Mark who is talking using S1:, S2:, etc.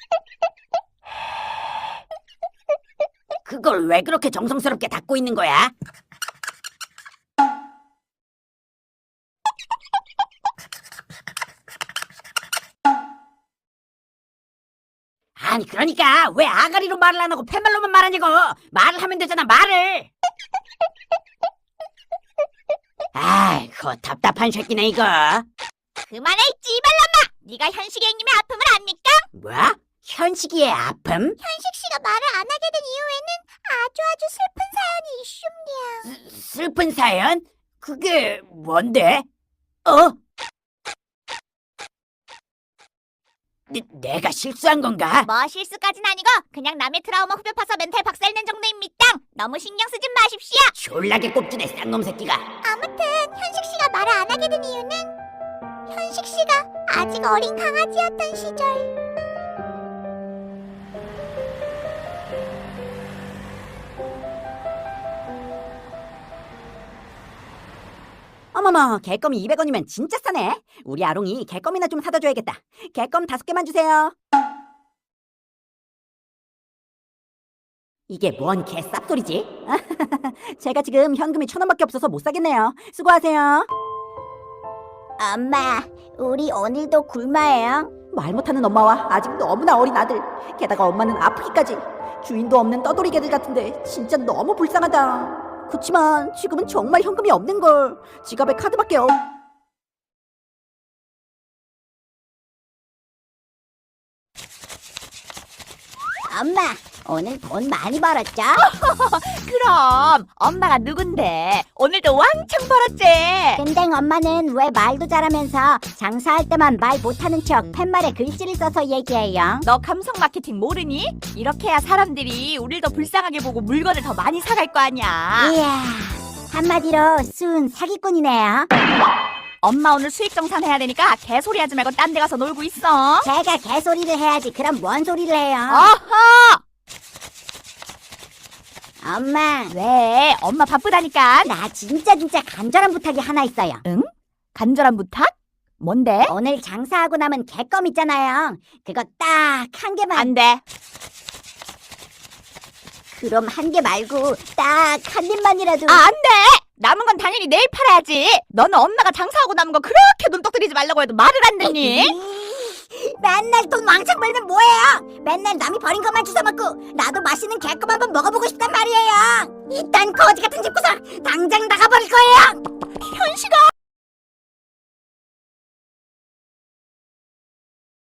S1: 그걸 왜 그렇게 정성스럽게 닦고 있는 거야? 아니 그러니까 왜 아가리로 말을 안 하고 팻말로만 말하냐고. 말을 하면 되잖아, 말을. 아이고 답답한 새끼네 이거.
S2: 그만해, 찌발놈아! 네가 현식이 형님의 아픔을 압니까?
S1: 뭐? 현식이의 아픔?
S2: 현식 씨가 말을 안 하게 된 이유에는 아주 슬픈 사연이 있습니다.
S1: 슬픈 사연? 그게 뭔데? 어? 내가 실수한 건가?
S2: 뭐 실수까진 아니고 그냥 남의 트라우마 후벼 파서 멘탈 박살낸 정도입니다. 너무 신경 쓰지 마십시오.
S1: 졸라게 꼽주네 쌍놈 새끼가.
S2: 아무튼 현식 씨가 말을 안 하게 된 이유는 현식 씨가 아직 어린 강아지였던 시절.
S1: 어머머, 개껌이 200원이면 진짜 싸네. 우리 아롱이 개껌이나 좀 사다 줘야겠다. 개껌 5개만 주세요. 이게 뭔 개쌉소리지? 제가 지금 현금이 1,000원밖에 없어서 못 사겠네요. 수고하세요.
S2: 엄마, 우리 오늘도 굶어요.
S1: 말 못하는 엄마와 아직 너무나 어린 아들, 게다가 엄마는 아프기까지. 주인도 없는 떠돌이 개들 같은데 진짜 너무 불쌍하다. 그치만 지금은 정말 현금이 없는걸. 지갑에 카드밖에 없...
S2: 엄마, 오늘 돈 많이 벌었죠?
S3: 그럼 엄마가 누군데 오늘도 왕창 벌었지.
S2: 근데 엄마는 왜 말도 잘하면서 장사할 때만 말 못하는 척 팻말에 글씨를 써서 얘기해요?
S3: 너 감성 마케팅 모르니? 이렇게 해야 사람들이 우릴 더 불쌍하게 보고 물건을 더 많이 사갈 거 아니야.
S2: 이야, 한마디로 순 사기꾼이네요.
S3: 엄마 오늘 수익 정산해야 되니까 개소리 하지 말고 딴 데 가서 놀고 있어.
S2: 제가 개소리를 해야지 그럼 뭔 소리를 해요?
S3: 어허!
S2: 엄마,
S3: 왜? 엄마 바쁘다니까.
S2: 나 진짜 간절한 부탁이 하나 있어요.
S3: 간절한 부탁? 뭔데?
S2: 오늘 장사하고 남은 개껌 있잖아요. 그거 딱 한 개만.
S3: 안 돼.
S2: 그럼 한 개 말고 딱 한 입만이라도.
S3: 아, 안 돼! 남은 건 당연히 내일 팔아야지. 너는 엄마가 장사하고 남은 거 그렇게 눈독 들이지 말라고 해도 말을 안 듣니?
S2: 맨날 돈 왕창 벌면 뭐해요? 맨날 남이 버린 것만 주워 먹고 나도 맛있는 개껌 한번 먹어보고 싶단 말이에요. 이딴 거지 같은 집구석 당장 나가버릴 거예요.
S3: 현식아!